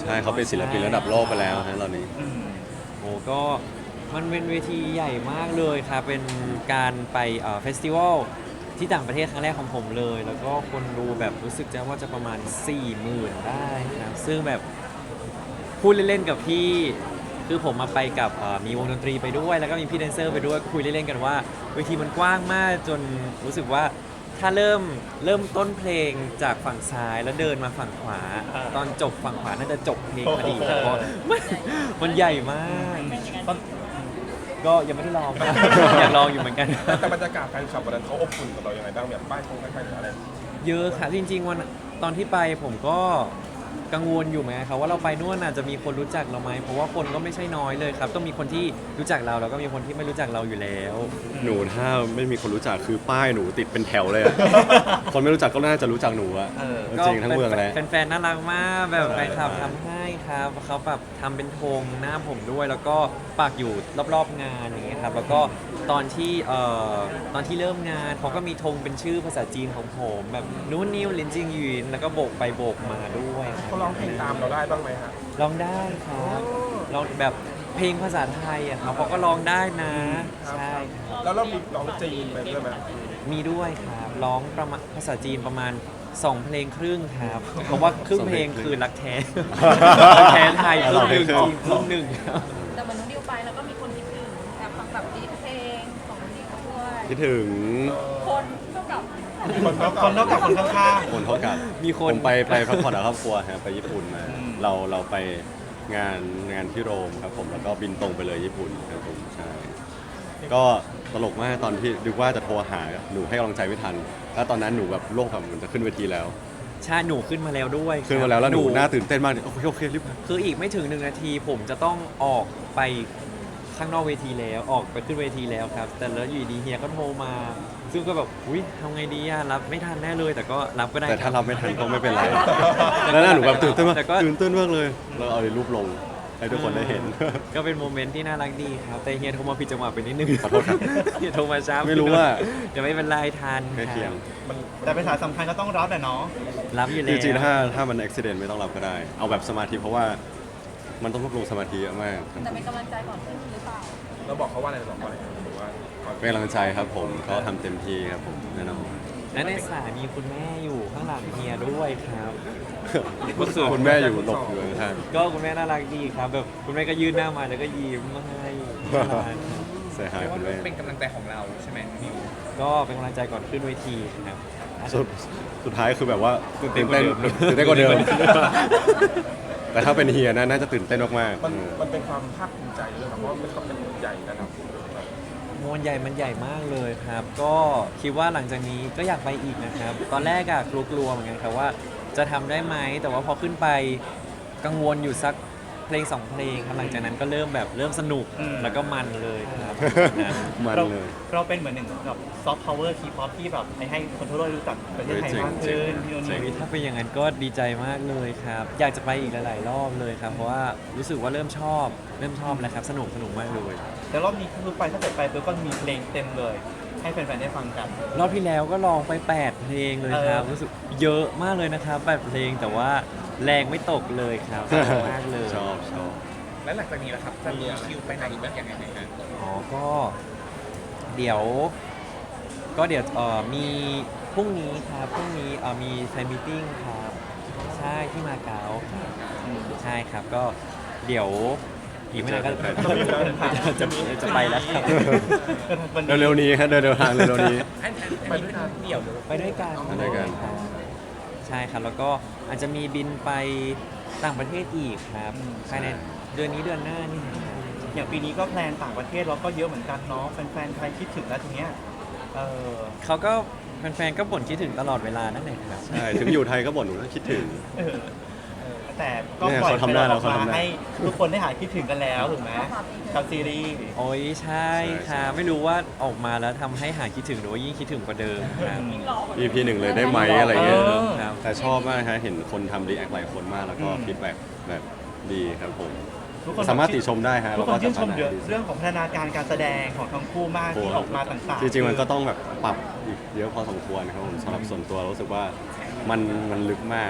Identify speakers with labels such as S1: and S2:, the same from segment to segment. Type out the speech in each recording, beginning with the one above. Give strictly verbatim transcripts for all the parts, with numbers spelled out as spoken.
S1: ใช่เขาเป็นศิลปินระดับโลกไปแล้วนะตอนนี้
S2: อืม
S3: โอ้ก็มันเป็นเวทีใหญ่มากเลยครับเป็นการไปเอ่อเฟสติวัลที่ต่างประเทศครั้งแรกของผมเลย แล้วก็คนดูแบบรู้สึกจะว่าจะประมาณ4ี่หมื่นได้ครับซึ่งแบบพูดเล่นๆกับพี่คือผมมาไปกับเอ่อมีวงดนตรีไปด้วย แล้วก็มีพี่แดนเซอร์ไปด้วยคุยเล่นๆกันว่าเวทีมันกว้างมากจนรู้สึกว่าถ้าเริ่มเริ่มต้นเพลงจากฝั่งซ้ายแล้วเดินมาฝั่งขวา
S2: อ่า
S3: ตอนจบฝั่งขวาน่าจะจบเพลงพอดี
S2: โอ้โห
S3: เพราะมันมันใหญ่มาก
S2: ตอน
S3: ก็ยังไม่ได้ลอง อยากลองอยู่เหมือนกัน
S4: แต่บรรยากาศแฟนคลับวันนั้นเขาอบอุ่นกับเราอย่างไรบ้างแบบป้ายคงป้ายอะไร
S3: เยอะค่ะจริงๆวันตอนที่ไปผมก็กังวลอยู่เหมือนกันครับว่าเราไปนู่นน่ะจะมีคนรู้จักเราไหมเพราะว่าคนก็ไม่ใช่น้อยเลยครับ ต้องมีคนที่รู้จักเราแล้วก็มีคนที่ไม่รู้จักเราอยู่แล้ว
S1: หนูถ้าไม่มีคนรู้จักคือป้ายหนูติดเป็นแถวเลยอะ คนไม่รู้จักก็น่าจะรู้จักหนูอะ
S2: เออ
S1: จริงทั้งเมืองเลย
S3: แฟนๆน่ารักมากแบบ
S1: ใช่
S3: แฟนคลับทำให้ครับเขาแบบทำเป็นธงหน้าผมด้วย แล้วก็ปักอยู่รอบๆงานอย่างเงี้ยครับแล้วก็ตอนที่เอ่อตอนที่เริ่มงานเขาก็มีธงเป็นชื่อภาษาจีนของผมแบบนู้นนิวลินจิงหยินแล้วก็โบกไปโบกมาด้วยครับ
S4: เขาร้องเพลงตามเราได้บ้างไหมฮะ
S3: ร้องได้ครับร้องแบบเพลงภาษาไทยอะครับเขาก็ร้องได้นะ ใช่ครับ
S4: แล้วเรามีร้องจีนไปด้วยไหม
S3: มีด้วยครับร้องประมาณภาษาจีนประมาณสองเพลงครึ่งครับเพราะว่าครึ่งเพลงคือรักแท้ รักแท้ไทยครึ่งหนึ่งจีนครึ่งหนึ่งครับ
S5: แต่เหมือนน้องดิวไปแล้วก็มีคนคิดถึงแบบฟังแบบดีเพลงของน้องดิวด้วย
S1: คิดถึง
S5: คนเท่ากับ
S4: คนเขา
S2: คนนอกจากคนข้าง
S1: คนเท่ากัน
S3: มีคน
S1: ผมไปไปพักผ่อนกับครอบครัวครับไปญี่ปุ่นมา
S2: อืม
S1: เราเราไปงานงานที่โรมครับผมแล้วก็บินตรงไปเลยญี่ปุ่นครับผมใช่ก็ตลกมากตอนที่ดูว่าจะโทรหาหนูให้กำลังใจไม่ทัน แล้วตอนนั้นหนูแบบโลกแบบเหมือนจะขึ้นเวทีแล้ว
S3: ใช่หนูขึ้นมาแล้วด้วยครับ
S1: ขึ้นมาแล้วแล้วหนูน่าตื่นเต้นมากโอเคโอเครีบมา
S3: คืออีกไม่ถึงหนึ่งนาทีผมจะต้องออกไปข้างนอกเวทีแล้วออกไปขึ้นเวทีแล้วครับ แต่แล้วอยู่ดีเฮียก็โทรมา ซึ่งก็แบบอุ้ยทำไงดีอะรับไม่ทันแน่เลย แต่ก็รับก็ได้
S1: แต่ถ้า
S3: ค
S1: เรา
S3: บ
S1: ไม่ทันก็ไม่เป็นไร แล้วหน้าหนูแบบตื่นเต้นมาก
S3: แต่ก็
S1: ตื่นเต้นมากเลย เราเอารูปลงให้ทุกคนได้เห็น
S3: ก็เป็นโมเมนต์ที่น่ารักดีครับ แต่เฮียโทรมาผิดจังหวะไปนิดนึง
S1: ขอโทษครับ
S3: เฮียโทรมาช้า
S1: ไม่รู้ว่า
S3: เดี๋ยวไม่เป็นไรทัน
S1: ใกล้เคียง
S4: มัน
S2: ๆ แต่เป็นสายสำคัญก็ต้องรับแหละเนาะ
S3: รับอยู่
S1: จ
S3: แล้ว
S1: ริงๆถ้าถ้ามันอุบิเหตุไม่ต้องรับก็ได้ เอาแบบสมาธิเพราะว่ามันต้องรวบรวมสมาธิเยอะมากครับ
S5: แต่เป็นกำลังใจก่อนขึ้นหรือเปล่า
S4: เราบอกเขาว่าอะไรเราบอกเขาอะไรหรือว่า
S1: เป็นกำลังใจครับผมเขาทำเต็มที่ครับผมแน่นอน
S3: และในสายมีคุณแม่อยู่ข้างหลังเฮียด้วยครับ ก็คือ
S1: คุณแม่อยู่หลบอยู่ข้าง
S3: ก็คุณแม่น่ารักดีครับแบบคุณแม่ก็ยื่นหน้ามาแล้วก็ยิ้มให้น่ารักครับ
S1: ๆเสียหายคุณแม่
S6: เป็นกำลังใจของเราใช่ไหมนิว
S3: ก็เป็นกำลังใจก่อนขึ้นเวทีครับ
S1: สุดสุดท้ายคือแบบว่า
S3: ตื่นเต้
S1: ตื่
S3: น
S1: น
S3: กว่า
S1: เต้น
S3: เดิม
S1: ตื่นเต้นกว่าเดิม แต่ถ้าเป็นเฮียนะน่าจะตื่นเต้นมากๆ
S4: มัน
S1: เออ
S4: มันเป็นความภาคภูมิใจด้วยครับเพราะว่ามันก็เป็นใหญ่นะครับ
S3: มวลใหญ่มันใหญ่มากเลยครับ ก็คิดว่าหลังจากนี้ก็อยากไปอีกนะครับ ตอนแรกอะกลัวๆเหมือนกันครับว่าจะทำได้ไหมแต่ว่าพอขึ้นไปกังวลอยู่สักเพลงสองเพลงครับหลังจากนั้นก็เริ่มแบบเริ่มสนุก
S2: อืม
S3: แล้วก็มันเลยครับนะ
S1: มัน
S2: เรา
S1: เลย
S2: เราเป็นเหมือนหนึ่งกับซอฟต์พาวเวอร์ทีป๊อปที่แบบให้ให้คนทั่วโลกรู้จักประเทศไทยมากขึ้นพี่โน
S1: จริ
S2: นี่
S1: ง
S3: ถ้าเป็นอย่างนั้นก็ดีใจมากเลยครับ อยากจะไปอีกหลาย ๆ รอบเลยครับ เพราะว่ารู้สึกว่าเริ่มชอบ เริ่มชอบแล้วครับ สนุกสนุกมากเลย
S2: แต่รอบนี้คือไปถ้าเกิดไปปุ๊บก็มีเพลงเต็มเลย ให้แฟนๆได้ฟังกัน
S3: รอบที่แล้วก็ลองไปแปดเพลงเลยครับ
S2: เออ
S3: รู้สึกเยอะมากเลยนะครับแปดเพลงแต่ว่าแรงไม่ตกเลยครับสนุกมากเลย
S1: ชอบชอบ
S6: และหลังจากนี้ล่ะครับ จะมีคิวไปไหนอีกบ้างอย่างไรนะ
S3: อ๋อ ก็เดี๋ยว ก็เดี๋ยวเอ่อมีพรุ่งนี้ครับพรุ่งนี้เอ่อมีแฟนมิทติ้งครับ ใช่ที่มาเก๊าครับอืมใช่ครับก็เดี๋ยวอีกไม่นานก็
S1: เจอแฟน
S3: จะจะจะไปแล้วครับ
S1: เร็วๆนี้ครับเร็วๆทางเร็วๆนี้
S6: อันอันอันนี้เป็นเดี่ยวหรือ
S3: ไปด้วยกัน
S1: ไปด้วยกัน
S3: ครับใช่ครับแล้วก็อาจจะมีบินไปต่างประเทศอีกครับภายในเดือนนี้เดือนหน้านี่ครับ
S2: อย่างปีนี้ก็แพลนต่างประเทศเราก็เยอะเหมือนกันเนาะแฟนๆไทยคิดถึงแล้วทีเนี้ยเออ
S3: เขาก็แฟนๆก็บ่นคิดถึงตลอดเวลานั่นแหละครับ
S1: ใช่ถึงอยู่ไทยก็บ่นหนูต้องคิดถึง
S2: เออเออแต่ก็
S1: เนี่ย
S2: ปล่อย
S1: เขาทำได้
S2: ให้
S1: แล้ว
S2: ออก
S1: เขาทำ
S2: มา
S1: ได้
S2: ให้ทุกคนได้หายคิดถึงกันแล้วถูกไหมกับซีรีส์
S3: โอ้ยใช่
S1: ใช่
S3: ค่ะไม่รู้ว่าออกมาแล้วทำให้หายคิดถึงหรือว่ายิ่งคิดถึงกว่าเดิมครับ
S1: อี พีหนึ่งเลยได้ไหมอะไรเงี้ย
S2: เออ
S3: ครับ
S1: แต่ชอบมากฮะเห็นคนทำรีแอคหลายคนมากแล้วก็
S2: อืม
S1: ฟีดแบ็กแบบดีครับผม
S2: ทุกคน
S1: สามารถติชมได้ฮะ
S2: ทุกคนชื่นชม
S1: แล้วก็
S2: เยอะ
S1: สามารถ
S2: เรื่องของพัฒนาการการแสดงของทั้งคู่มากที่ออกมาต่างๆ
S1: จริงๆมันก็ต้องแบบปรับอีกเยอะพอสมควรนะครับผมสำหรับส่วนตัวรู้สึกว่ามันมันลึกมาก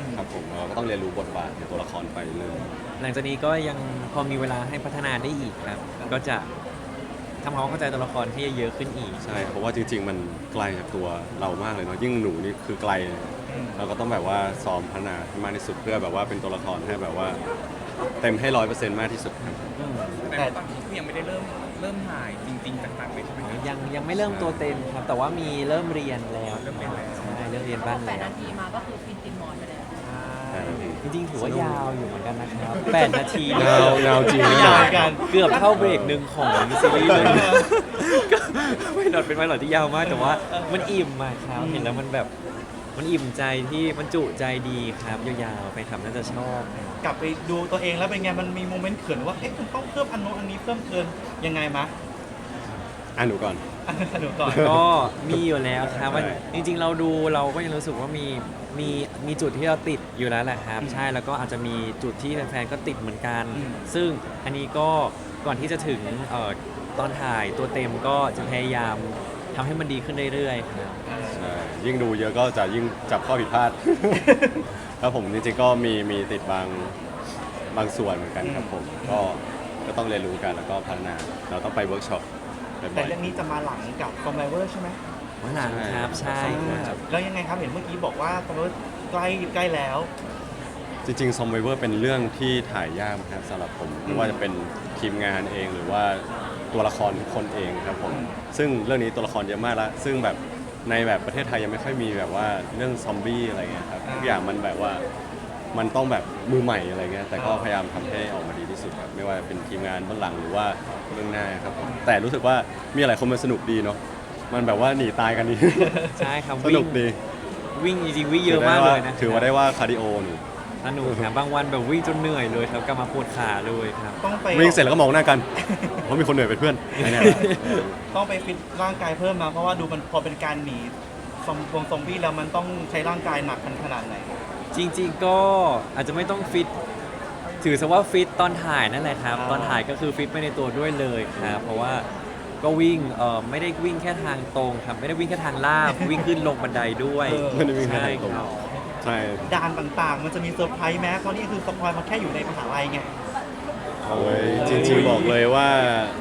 S1: ครับผมเราก็ต้องเรียนรู้บทบาทในตัวละครไปเรื่อย
S3: หลังจากนี้ก็ยังพอมีเวลาให้พัฒนาได้อีกครับ ก็จะทำความเข้าใจตัวละครให้เยอะขึ้นอีก
S1: ใช่เพราะว่าจริง ๆ มันไกลจากตัวเรามากเลยเนาะยิ่งหนูนี่คือไกล เราก็ต้องแบบว่าซ้อมพัฒนาให้มากที่สุดเพื่อแบบว่าเป็นตัวละครให้แบบว่าเต็มให้ร้อยเปอร์เซ็นต์มากที่สุดครับ
S6: แต่ตอนนี้คือยังไม่ได้เริ่มเริ่มถ่ายจริงๆต่างๆเลยใช่ไหมครับ
S3: ยังยังไม่เริ่มตัวเต็มครับ แต่ว่ามีเริ่มเรียนแล้ว
S6: เริ่มเรียนแล้ว
S3: ใช่เริ่มเรียน
S5: พ
S3: บ้า
S5: อง แปด
S3: แล้ว
S5: นาทีมาก็คือฟินตินหมอนไปแล้ว
S3: จริงๆถือว่ายาวอยู่เหมือนกันนะครับแปดนาที
S1: ยาวยาวจริง
S2: ยาวเหมือนกัน
S3: เกือบเท่าเบรกหนึ่งของซีรีส์เลยก็ไม่หลอดเป็นไม่หลอดที่ยาวมาก แต่ว่ามันอิ่มมากครับเห็นแล้วมันแบบมันอิ่มใจที่มันจุใจดีครับยาวๆไปทำน่าจะชอบ
S2: กลับไปดูตัวเองแล้วเป็นไงมันมีโมเมนต์เขินว่าเอ๊ะมันต้องเพิ่มอันโน้นอันนี้เพิ่มเกินยังไงมะ
S1: อ่ะหนูก่อน
S2: อ่ะหนูก่อน
S3: ก็มีอยู่แล้วครับมัน
S1: ใช่
S3: จริง ๆ เราดูเราก็ยังรู้สึกว่ามีมีมีจุดที่เราติดอยู่แล้วแหละครับ ใช่แล้วก็อาจจะมีจุดที่แฟนๆก็ติดเหมือนกัน
S2: อืม
S3: ซึ่งอันนี้ก็ก่อนที่จะถึงเอ่อตอนถ่ายตัวเต็มก็จะพยายามทำให้มันดีขึ้นเรื่อยๆครับ
S1: ใช่ยิ่งดูเยอะก็จะยิ่งจับข้อผิดพลาด ครับผมจริงๆก็มีมีติดบางบางส่วนเหมือนกันครับผมก็ก็ต้องเรียนรู้กันแล้วก็พัฒนาเราต้องไปเวิร์กช็อปบ่
S2: แต่
S1: อย
S2: เรื่องนี้จะมาหลังกับคอมไบเวอร์ใช่ไหม
S3: วันหลังครับใช่ครับ
S2: แล้วยังไงครับเห็นเมื่อกี้บอกว่าคอมไบเวอร์ใกล้ใกล้แล้ว
S1: ๆจริงๆซอมไวเวอร์เป็นเรื่องที่ถ่ายยากครับสำหรับผมไม่ว่าจะเป็นทีมงานเองหรือว่าตัวละครทุกคนเองครับผมซึ่งเรื่องนี้ตัวละครเยอะมากแล้วซึ่งแบบในแบบประเทศไทยยังไม่ค่อยมีแบบว่าเรื่องซอมบี้อะไรเงี้ยครับทุกอย่างมันแบบว่ามันต้องแบบมือใหม่อะไรเงี้ยแต่ก็พยายามทำให้ออกมาดีที่สุดครับไม่ว่าเป็นทีมงานเบื้องหลังหรือว่าเบื้องหน้าครับผมแต่รู้สึกว่ามีหลายคนมันสนุกดีเนาะมันแบบว่าหนีตายกันดี
S3: ใช่ครับ
S1: ส
S3: วิ่
S1: นุ
S3: ง
S1: กดี
S3: วิ่งจริงๆวิ่งเยอะมากเลยนะ
S1: ถือว่าได้ว่าคาร์ดิโอหนู
S3: สนุกครับบางวันแบบวิ่งจนเหนื่อยเลยครับกลับมาปวดขาเลยครับ
S2: ต้องไป
S1: วิ่งเสร็จแล้วก็มองหน้ากัน เพราะมีคนเหนื่อยเป็นเพื่อนไอ้เนี่ย
S2: ต้องไปฟิตร่างกายเพิ่มมาเพราะว่าดูมันพอเป็นการหนีซอมวงซอมบี้แล้วมันต้องใช้ร่างกายหนักกันขนาดไหน
S3: จริงๆก็อาจจะไม่ต้องฟิตถือซะว่าฟิตตอนถ่ายนั่นแหละครับ
S2: อ่า
S3: ตอนถ่ายก็คือฟิตไปในตัวด้วยเลยครับเพราะว่าก็วิ่งเอ่อไม่ได้วิ่งแค่ทางตรงครับไม่ได้วิ่งแค่ทางลาบ วิ่งขึ้นลงบันไดด้วย
S1: ไม่ได้วิ่งแค่
S3: ใช่
S1: ทางตรง
S3: ครับ
S1: ใช่
S2: ด่านต่างๆ มันจะมีเซอร์ไพรส์แม้เพราะนี่คือสปอยล์มาแค่อยู่ในมหาลัยไง
S1: โอ้ยจริงๆบอกเลยว่า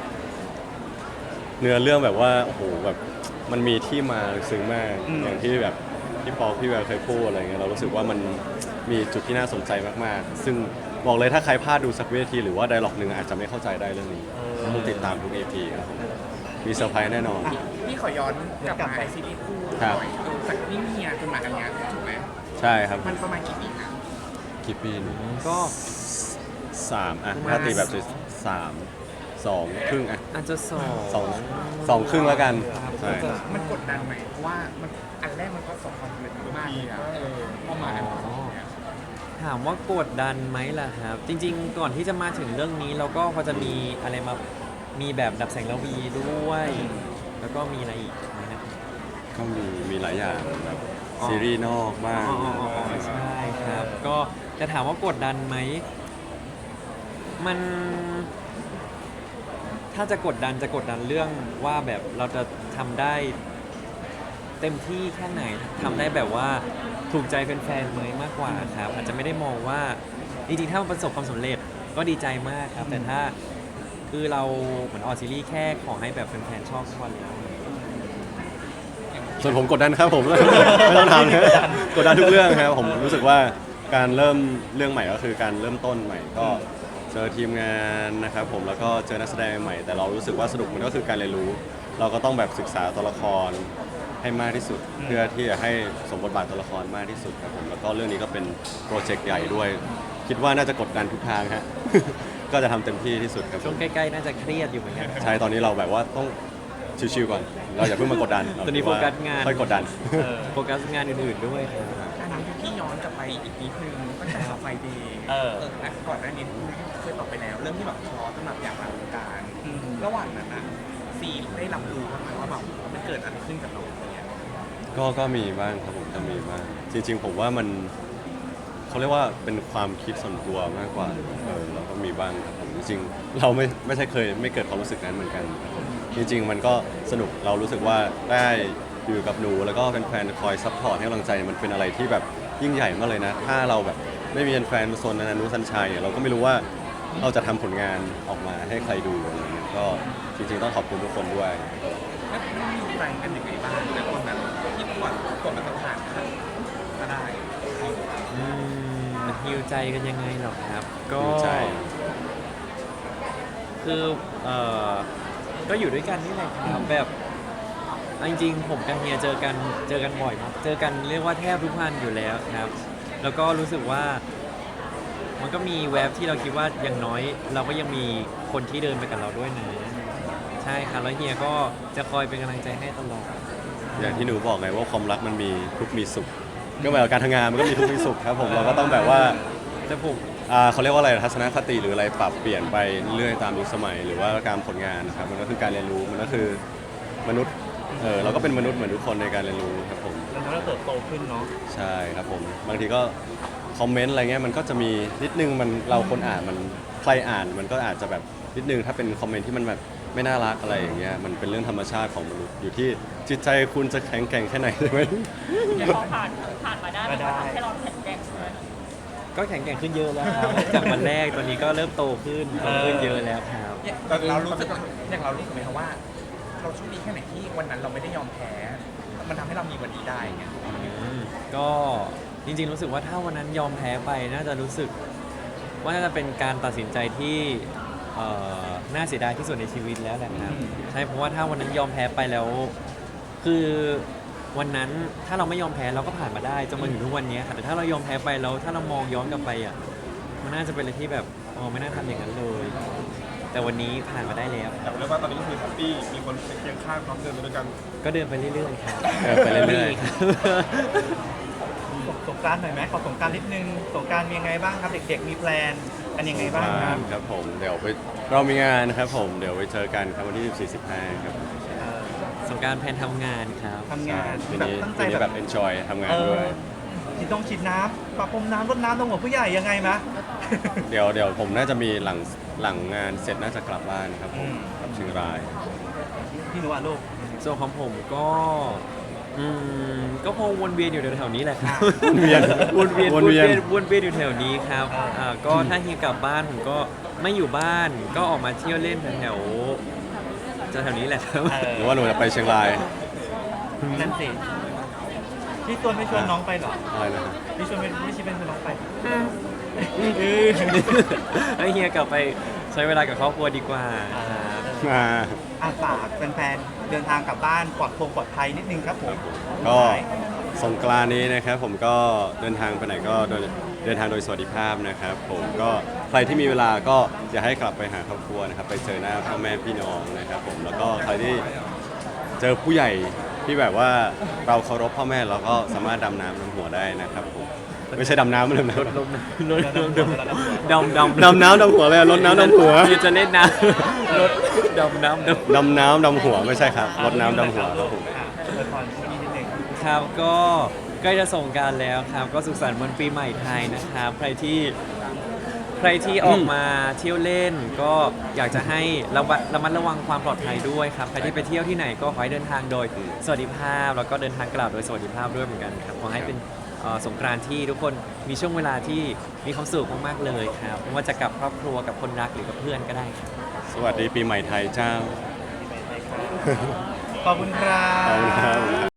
S1: เนื้อเรื่องแบบว่าโอ้โหแบบมันมีที่มาลึกซึ้งมาก
S2: อืม
S1: อย่างที่แบบพี่ปอพี่แววเคยพูดอะไรเงี้ยเรารู้สึกว่ามันมีจุดที่น่าสนใจมากๆ ซึ่งบอกเลยถ้าใครพลาดดูสักเวทีหรือว่าไดร็อกหนึ่งอาจจะไม่เข้าใจได้เรื่องนี้ต้องติดตามทุก เอ พี ครับผมมีเซอร์ไพรส์แน่นอน
S6: พี่ขอย้อนกลับมาซีรีส์คู่ห
S1: ครับ
S6: น่อยดูจากนิ่งเฮียจนมาอันเนี้ยถูกไหม
S1: ใช่ครับ
S6: มันประมาณกี่ปีนะ
S1: กี่ปีน
S3: ก็
S1: สามอ่ะ
S3: ประมาณ
S1: ถ้าตีแบบสามสองครึ่งอ่ะ
S3: อาจจะสอง
S1: สองสองครึ่งแล้วกัน
S3: ครับ
S1: ใช่
S3: ก็จะ
S6: มันกดดันไหมเพราะว่ามันอันแรกมันก็สองความสำเร็จมากเลยอะเออพอมาอันสองเนี่ย
S3: ถามว่ากดดันไหมล่ะครับ จริง ๆ ก่อนที่จะมาถึงเรื่องนี้เราก็พอจะมีอะไรมามีแบบดับแสงระวีด้วย แล้วก็มีอะไรอีกนะครับ
S1: ก็มีมีหลายอย่างแบบ
S3: อ๋อ
S1: ซีรีส์นอกบ้าง
S3: อ๋ออ๋ออ๋ออ๋อใช่ครับ ก็จะถามว่ากดดันไหม มัน ถ้าจะกดดันจะกดดันเรื่องว่าแบบเราจะทำได้เต็มที่แค่ไหนทำได้แบบว่าถูกใจแฟนๆไหมมากกว่าครับ อาจจะไม่ได้มองว่าจริงๆถ้ามันประสบความสำเร็จก็ดีใจมากครับ แต่ถ้าคือเราเหมือนออกซีรีส์แค่ขอให้แบบแฟนๆชอบทุกวันแล้ว
S1: ส่วนผมกดดันครับผม ไม่ต้องทำนะกดดันทุกเรื่องครับผมรู้สึกว่าการเริ่มเรื่องใหม่ก็คือการเริ่มต้นใหม่ก็เจอทีมงานนะครับผมแล้วก็เจอนักแสดงใหม่ แต่เรารู้สึกว่าสนุกมันก็คือการเรียนรู้ เราก็ต้องแบบศึกษาตัวละครให้มากที่สุด เพื่อที่จะให้สมบทบาทตัวละครมากที่สุดครับผมแล้วก็เรื่องนี้ก็เป็นโปรเจกต์ใหญ่ด้วย คิดว่าน่าจะกดดันทุกทางฮะ ก็จะทำเต็มที่ที่สุดครับผ
S3: ช่วง
S1: ม
S3: ใกล้ๆน่าจะเครียดอยู่เหมือนกัน
S1: ใช่ตอนนี้เราแบบว่าต้องชิวๆก่อน เราอย่าเพิ่งมากดดัน
S3: ตอนนี้โฟกัสงาน
S1: ค่อยกดดัน
S3: โฟกัสงานอื่นๆด้วยครับ
S6: อันนี้พี่ย้อนกลับไปอีกนิดนึงตั้งแต่ไฟเดย์
S2: เออ
S6: อ่ะก่อนหน้านี้เคยตอบไปแล้ว เรื่องที่แบบท้อสำหรับอยากมาวงการ
S2: อืม
S6: ระหว่างนั้นนะซีได้รับรู้บ้างไหมว่าแบบมันเกิดอะไรขึ้นกับเราอะไรเงี้ย
S1: ก็ก็มีบ้างครับผมก็มีบ้างจริง ๆ ผมว่ามันเขาเรียกว่าเป็นความคิดส่วนตัวมากกว่าเออเราก็มีบ้างครับผมจริงๆเราไม่ไม่ใช่เคยไม่เกิดความรู้สึกนั้นเหมือนกันครับผมจริง ๆ มันก็สนุกเรารู้สึกว่าได้อยู่กับหนูแล้วก็แฟนๆคอยซัพพอร์ตให้กำลังใจมันเป็นอะไรที่แบบยิ่งใหญ่มากเลยนะ ถ้าเราแบบไม่มีแฟนๆมาโซนนันนุสัญชัยเนี่ยเราก็ไม่รู้ว่าเราจะทำผลงานออกมาให้ใครดูอะไรเงี้ยก็จริงๆต้องขอบคุณทุกคนด้วย
S6: แล้วมันมีใจกันยังไงบ้างแต่คนแบบที่กดกดมันต้องผ่านก็ได้
S3: อืมฮิวใจกันยังไงหรอครับ ก็
S1: ฮิวใจ
S3: คือเอ่อก็อยู่ด้วยกันนี่แหละครับแบบเอาจริงๆผมกับเฮียเจอกันเจอกันบ่อยมากเจอกันเรียกว่าแทบทุกวันอยู่แล้วครับ แล้วก็รู้สึกว่ามันก็มีแวบที่เราคิดว่าอย่างน้อย เราก็ยังมีคนที่เดินไปกับเราด้วยนะใช่ครับแล้วเฮียก็จะคอยเป็นกำลังใจให้ตลอด
S1: อย่างที่หนูบอกไงว่าความรักมันมีทุกข์มีสุข ก็เหมือนกับการทำงานมันก็มีทุกข์มีสุขครับผมเราก็ต้องแบบว่า
S3: แต่ผม
S1: อ่าเขาเรียกว่าอะไรทัศนคติหรืออะไรปรับเปลี่ยนไปเรื่อยตามยุคสมัย หรือว่าการผลงานนะครับมันก็คือการเรียนรู้มันก็คือมนุษย์เออเราก็เป็นมนุษย์เหมือนทุกคนในการเรียนรู้ครับผม
S2: แล้วเราเติบโตขึ้นเนาะ
S1: ใช่ครับผมบางทีก็คอมเมนต์อะไรเงี้ยมันก็จะมีนิดนึงมันเราคนอ่านมันใครอ่านมันก็อาจจะแบบนิดนึงถ้าเป็นคอมเมนต์ที่มันแบบไม่น่ารักอะไรอย่างเงี้ยมันเป็นเรื่องธรรมชาติของมนุษย์อยู่ที่จิตใจคุณจะแข็งแกร่งแค่ไหนใช่ไหม
S5: แต่พอผ่านผ่านมาได้มันก็ทำให้เราแข็งแกร่งขึ้น
S3: ก็แข็งแกร่งขึ้นเยอะแล้วครับ จากวันแรกตอนนี้ก็เริ่มโตขึ้นโตขึ้นเยอะแล้วครับ
S6: อย่างเรารู้สึกอย่างเรารู้สึกไหมครับว่า เราโชคดีแค่ไหนที่วันนั้นเราไม่ได้ยอมแพ้ มันทำให้เรามีวันนี้ได้ไง
S3: อืมก็จริงๆรู้สึกว่าถ้าวันนั้นยอมแพ้ไปน่าจะรู้สึกว่าน่าจะเป็นการตัดสินใจที่เอ่อน่าเสียดายที่สุดในชีวิตแล้วแหละครับใช่เพราะว่าถ้าวันนั้นยอมแพ้ไปแล้ว คือวันนั้นถ้าเราไม่ยอมแพ้เราก็ผ่านมาได้จนมาถึงทุกวันนี้ค่ะแต่ถ้าเรายอมแพ้ไปแล้วถ้าเรามองย้อนกลับไปอ่ะมันน่าจะเป็นอะไรที่แบบอ๋อไม่น่าทำอย่างนั้นเลย แต่วันนี้ผ่านมาได้แล้ว
S4: แต่เรียกว่าตอนนี้ก็คือแฮปปี้มีคนเป็นเคียงข้างพร้อมเดินไปด้วยกัน
S3: ก็เดินไปเรื่อยๆครับ
S1: เออไปเรื่อยๆ
S3: ครับ
S2: สงกรานต์หน่อยไหมขอสงกรานต์นิดนึงสงกรานต์มียังไงบ้างครับเด็กๆมีแพลนกันยังไงบ้างครับ
S1: ครับผมเดี๋ยวไปเรามีงานนะครับผมเดี๋ยวไปเจอกันครับวันที่ สิบสี่ สิบห้า ครับ
S2: เอ่อ
S3: สงกรารแพนทำงานครับ
S2: ทำงาน
S1: ปี
S2: แบบ
S1: นี้
S2: ตั้งใจ
S1: ปีนี้
S2: แบ
S1: แบบ บ enjoy ทำงาน
S2: เอ
S1: ด้
S2: อ
S1: วย
S2: ฉีดต้องฉีดน้ำประพรมน้ำรดน้ำตรงหัวผู้ใหญ่ยังไงมะ
S1: เดี๋ยวเดี๋ยวผมน่าจะมีหลังหลังงานเสร็จน่าจะกลับบ้านครับผม
S2: อืม
S1: กลับเชียงราย
S2: พี่หนูอ่ะลูก
S3: ส่วนของผมก็อืมก็คงวนเวียนอยู่แถวๆนี้แหละครับ
S1: วนเวียน
S3: วนเวียน
S1: ว
S3: วน น
S1: เวี
S3: เวี
S1: ย
S3: ย
S1: น
S3: นวนเวียนอยู่แถวนี้ครับอ่าก็ถ้าเฮียกลับบ้านผมก็ไม่อยู่บ้านก็ออกมาเที่ยวเล่นแถวๆแถวๆนี้แหละครับ
S2: เออ
S1: หรือว่าหนูจะไปเชียงราย
S2: นั่นสิพี่ชวนไม่ชวนน้องไปเหรอ
S1: อะไรนะครับ
S2: พี่ชวนไม่ไม่ชิเป็นชวนน้องไป
S3: ให้เฮียกลับไปใช้เวลากับครอบครัวดีกว่าครับ
S1: มา
S2: อาฝากแฟนๆเดินทางกลับบ้านปลอดโปร่งปลอดภัยนิดนึงครับผม
S1: ก็สงกรานต์นี้นะครับผมก็เดินทางไปไหนก็โดยเดินทางโดยสวัสดิภาพนะครับผมก็ใครที่มีเวลาก็อยากให้กลับไปหาครอบครัวนะครับไปเจอหน้าพ่อแม่พี่น้องนะครับผมแล้วก็ใครที่เจอผู้ใหญ่ที่แบบว่าเราเคารพพ่อแม่เราก็สามารถดำน้ำดำหัวได้นะครับผมไม่ใช่ดำน้ำไม่ดำน้ำ
S3: ลดลมลดลมดำดำ
S1: ดำน้ำดำหัวเลยอะรดน้ำดำหัว
S3: เฮียจะเล่นน้ำลดดำน้ำดำ
S1: ดำน้ำดำหัวไม่ใช่ครับรดน้ำดำหัวครับผม
S2: อ่ะอวยพรพี่นิดนึง
S3: ครับก็ใกล้จะส่งกรารแล้วครับ ก็สุขสันต์วันปีใหม่ไทยนะครับ ใครที่ใครที่ออกมาเที่ยวเล่น ก็อยากจะให้ระมัดระมัดระวังความปลอดภัยด้วยครับใครที่ไปเที่ยวที่ไหนก็ขอให้เดินทางโดยสวัสดิภาพ แล้วก็เดินทางกลับโดยสวัสดิภาพด้วยเหมือนกันครับขอให้เป็นเอ่อสงกรานต์ที่ทุกคนมีช่วงเวลาที่มีความสุขมากๆเลยครับไม่ว่าจะกับครอบครัวกับคนรักหรือกับเพื่อนก็ได้ครับ
S1: สวัสดีปีใหม่ไทยเจ้า
S2: ขอบคุณครั
S1: ขอบคุณครับ บ